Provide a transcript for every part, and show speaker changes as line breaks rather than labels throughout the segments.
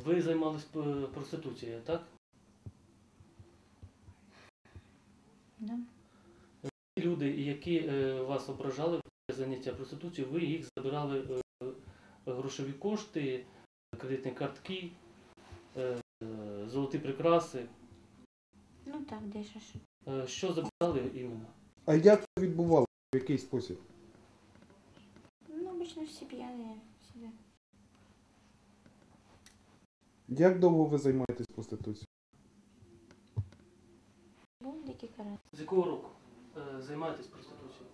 Ви займались проституцією, так?
Да.
Люди, які вас ображали в заняття проституцією, ви їх забирали грошові кошти, кредитні картки, золоті прикраси.
Ну так, дещо.
Що забирали іменно?
А як це відбувалося? В який спосіб?
Ну, обычно все пьяные всегда.
Як довго ви займаєтесь проституцією?
Був декілька разів.
З якого року займаєтесь проституцією?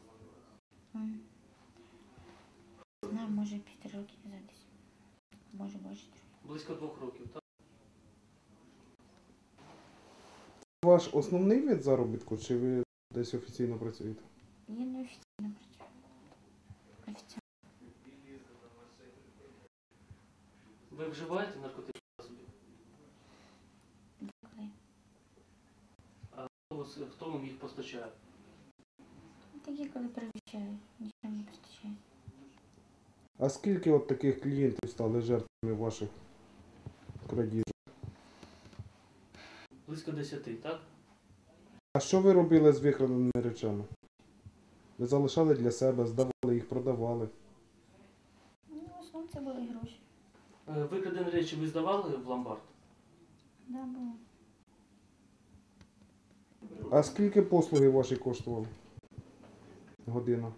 Знаю, може 5 років назад десь. Може більше.
Близько 2 років, так?
Ваш основний вид заробітку, чи ви десь офіційно працюєте?
Я не офіційно працюю. Офіційно.
Ви вживаєте наркотичні засоби?
Коли?
Хто вам їх постачає?
Такі, коли перевищаю, нічого не постачаю.
А скільки от таких клієнтів стали жертвами ваших крадіжок?
Близько 10, так?
А що ви робили з викраденими речами? Ви залишали для себе, здавали їх, продавали?
Ну, в основному це були гроші.
Викрадені речі ви здавали в ломбард?
Да, було.
А скільки послуги ваші коштували? Година?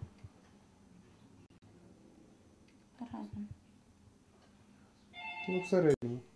По-разному.
Ну, в середньому.